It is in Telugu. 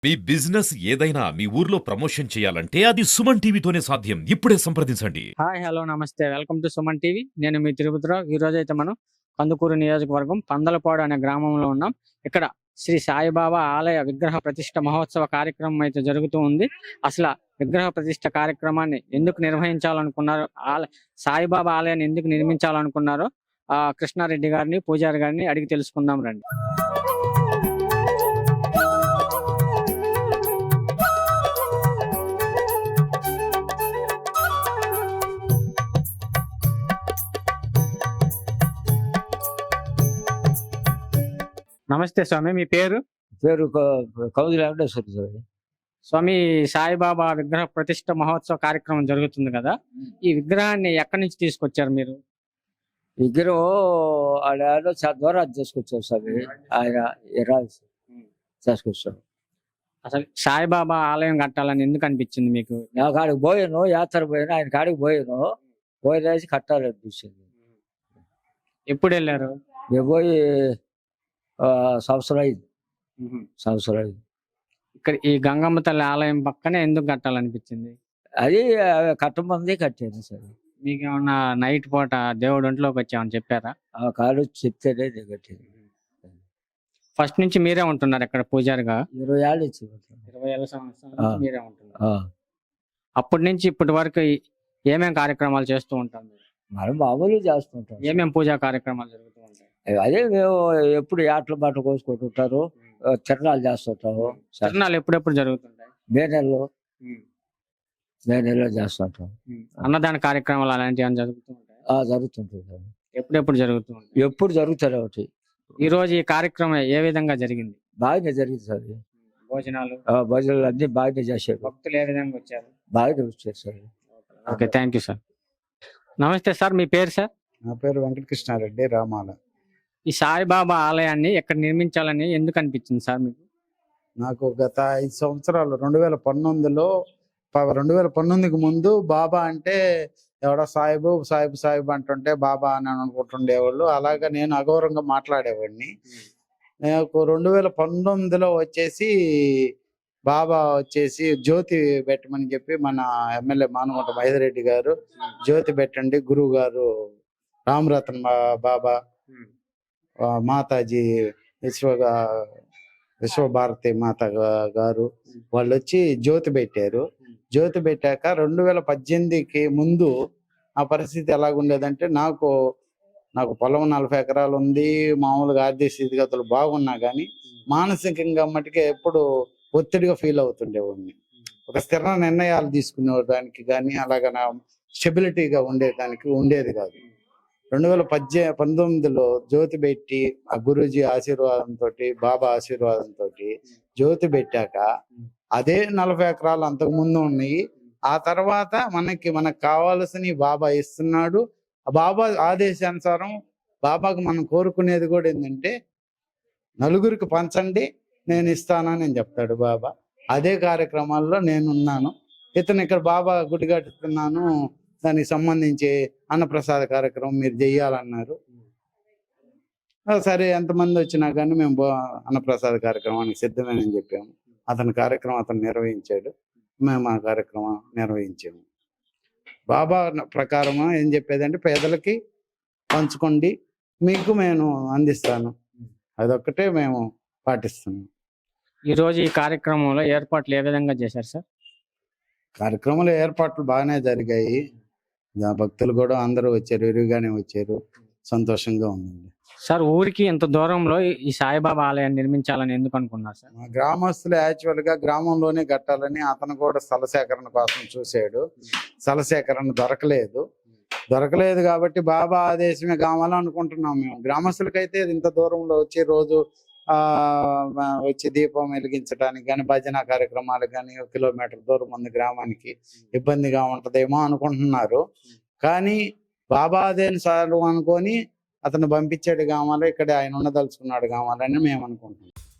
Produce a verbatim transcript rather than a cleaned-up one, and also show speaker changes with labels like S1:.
S1: మీ బిజినెస్ ఏదైనా మీ ఊర్లో ప్రమోషన్ చేయాలంటే అది సుమన్ టీవీతోనే సాధ్యం. ఇప్పుడే సంప్రదించండి.
S2: హాయ్ హలో నమస్తే వెల్కమ్ టు సుమన్ టీవీ. నేను మీ తిరుపతిరావు. ఈ రోజు అయితే మనం కందుకూరు నియోజకవర్గం పందలపాడు అనే గ్రామంలో ఉన్నాం. ఇక్కడ శ్రీ సాయిబాబా ఆలయ విగ్రహ ప్రతిష్ట మహోత్సవ కార్యక్రమం అయితే జరుగుతూ ఉంది. అసలు విగ్రహ ప్రతిష్ట కార్యక్రమాన్ని ఎందుకు నిర్వహించాలనుకున్నారు, ఆల సాయిబాబా ఆలయాన్ని ఎందుకు నిర్మించాలనుకున్నారో ఆ కృష్ణారెడ్డి గారిని పూజారి గారిని అడిగి తెలుసుకుందాం రండి. నమస్తే స్వామి, మీ పేరు?
S3: పేరు క- కౌది వెంకటేశ్వర స్వామి.
S2: స్వామి, సాయిబాబా విగ్రహ ప్రతిష్ట మహోత్సవ కార్యక్రమం జరుగుతుంది కదా, ఈ విగ్రహాన్ని ఎక్కడి నుంచి తీసుకొచ్చారు మీరు?
S3: విగ్రహం ఆడ చాలా దూరం తీసుకొచ్చారు స్వామి. ఆయన ఎరా తీసుకొచ్చారు.
S2: అసలు సాయిబాబా ఆలయం కట్టాలని ఎందుకు అనిపించింది మీకు?
S3: నాకు ఆడికి పోయాను, యాత్ర పోయాను, ఆయన కాడికి పోయాను, పోయేసి కట్టాలనిపించింది.
S2: ఎప్పుడు వెళ్ళారు?
S3: మేము పోయి ఆ, సంవత్సరం అయింది సంవత్సరం అయింది
S2: ఇక్కడ ఈ గంగమ్మ తల్లి ఆలయం పక్కనే ఎందుకు కట్టాలనిపించింది?
S3: అది కట్టమంది కట్టాను సార్.
S2: మీకు ఏమన్నా నైట్ పూట దేవుడు ఒంట్లోకి వచ్చామని చెప్పారా?
S3: ఆ కాడు చెప్తేనే నేను కట్టాను.
S2: ఫస్ట్ నుంచి మీరే ఉంటున్నారు ఇక్కడ పూజారిగా?
S3: ఇరవై ఏళ్ళు ఇచ్చి
S2: ఇరవై ఏళ్ళ సంవత్సరం నుంచి మీరే ఉంటున్నారు.
S3: ఆ,
S2: అప్పటి నుంచి ఇప్పటి వరకు ఏమేం కార్యక్రమాలు చేస్తూ ఉంటారు మీరు?
S3: మనం మామూలుగా చేస్తుంటాం.
S2: ఏమేం పూజా కార్యక్రమాలు జరుగుతూ ఉంటాయి?
S3: అదే మేము ఎప్పుడు యాట్ల బాట కోసుకుంటుంటారు, ఆ, తిరణాలు చేస్తుంటాము.
S2: తిరణాలు ఎప్పుడెప్పుడు జరుగుతుంటాయి?
S3: మే నెలలో మే నెలలో చేస్తుంటాం.
S2: అన్నదాన కార్యక్రమాలు అలాంటివి ఏమైనా జరుగుతూ ఉంటాయి?
S3: ఆ, జరుగుతుంటుంది సార్.
S2: ఎప్పుడెప్పుడు జరుగుతూ ఉంటాయి?
S3: ఎప్పుడు జరుగుతారు ఒకటి.
S2: ఈ రోజు ఈ కార్యక్రమం ఏ విధంగా జరిగింది?
S3: బాగానే జరిగింది సార్.
S2: భోజనాలు,
S3: ఆ, భజనలు అన్ని బాగానే చేశారు,
S2: భక్తులు ఏ విధంగా వచ్చారు?
S3: బాగానే వచ్చారు sir.
S2: Okay, thank you sir. నమస్తే సార్, మీ పేరు సార్?
S4: నా పేరు వెంకటకృష్ణారెడ్డి రామాల.
S2: ఈ సాయిబాబా ఆలయాన్ని ఎక్కడ నిర్మించాలని ఎందుకు అనిపించింది సార్ మీకు?
S4: నాకు గత ఐదు సంవత్సరాలు రెండు వేల పంతొమ్మిదిలో ప- రెండు వేల పంతొమ్మిదికి ముందు బాబా అంటే ఎవడో సాయిబు సాయిబు సాయిబు అంటుంటే బాబా అని అనుకుంటుండేవాళ్ళు. అలాగా నేను అగౌరవంగా మాట్లాడేవాడిని. నాకు రెండు వేల పంతొమ్మిదిలో వచ్చేసి బాబా వచ్చేసి జ్యోతి పెట్టమని చెప్పి మన ఎమ్మెల్యే మానుగుంట మహేదరెడ్డి గారు జ్యోతి పెట్టండి, గురువు గారు రామరత్న బా- బాబా, ఆ, మాతాజీ విశ్వ విశ్వభారతి మాత గా- గారు వాళ్ళు వచ్చి జ్యోతి పెట్టారు. జ్యోతి పెట్టాక రెండు వేల పద్దెనిమిదికి ముందు ఆ పరిస్థితి ఎలాగుండేదంటే, నాకు నాకు పొలం నలభై ఎకరాలు ఉంది, మామూలుగా ఆర్థిక స్థితిగతులు బాగున్నా కానీ మానసికంగా మటుకే ఎప్పుడు ఒత్తిడిగా ఫీల్ అవుతుండేవాడిని. ఒక స్థిర నిర్ణయాలు తీసుకునేదానికి కానీ అలాగ నా స్టెబిలిటీగా ఉండేదానికి ఉండేది కాదు. రెండు వేల పద్దె పంతొమ్మిదిలో జ్యోతి పెట్టి ఆ గురూజీ ఆశీర్వాదంతో, బాబా ఆశీర్వాదంతో జ్యోతి పెట్టాక అదే నలభై ఎకరాలు అంతకు ముందు ఉన్నాయి. ఆ తర్వాత మనకి మనకు కావాల్సిన బాబా ఇస్తున్నాడు. ఆ బాబా ఆదేశానుసారం బాబాకు మనం కోరుకునేది కూడా ఏంటంటే, నలుగురికి పంచండి నేను ఇస్తానని అని చెప్తాడు బాబా. అదే కార్యక్రమాల్లో నేనున్నాను. ఇతను ఇక్కడ బాబా గుడి కట్టుతున్నాను, దానికి సంబంధించి అన్నప్రసాద కార్యక్రమం మీరు చెయ్యాలన్నారు. ఆ, సరే ఎంతమంది వచ్చినా కానీ మేము బా- అన్నప్రసాద కార్యక్రమానికి సిద్ధమేనని చెప్పాము. అతని కార్యక్రమం అతను నిర్వహించాడు, మేము ఆ కార్యక్రమం నిర్వహించాము. బాబా ప్రకారం ఏం చెప్పేదంటే, పేదలకి పంచుకోండి, మీకు నేను అందిస్తాను, అదొక్కటే మేము పాటిస్తున్నాం.
S2: ఈ రోజు ఈ కార్యక్రమంలో ఏర్పాట్లు ఏ విధంగా చేశారు సార్?
S4: కార్యక్రమాల ఏర్పాట్లు బాగానే జరిగాయి. ఆ, భక్తులు కూడా అందరూ వచ్చారు, విరివిగానే వచ్చారు, సంతోషంగా ఉందండి.
S2: సార్, ఊరికి ఇంత దూరంలో ఈ సాయిబాబా ఆలయాన్ని నిర్మించాలని ఎందుకు అనుకున్నారు సార్?
S4: మా గ్రామస్తులు యాక్చువల్ గా గ్రామంలోనే కట్టాలని అతను కూడా స్థల సేకరణ కోసం చూశాడు. స్థల సేకరణ దొరకలేదు దొరకలేదు కాబట్టి బాబా ఆదేశమే కావాలనుకుంటున్నాం మేము. గ్రామస్తులకైతే ఇంత దూరంలో వచ్చి రోజు ఆ వచ్చి దీపం వెలిగించడానికి కానీ, భజన కార్యక్రమాలకు కానీ ఒక కిలోమీటర్ దూరం ఉంది గ్రామానికి, ఇబ్బందిగా ఉంటదేమో అనుకుంటున్నారు. కానీ బాబా ఆదేశాలు అనుకొని అతను పంపించాడు కావాలి, ఇక్కడ ఆయన ఉండదలుచుకున్నాడు కావాలని మేము అనుకుంటున్నాం.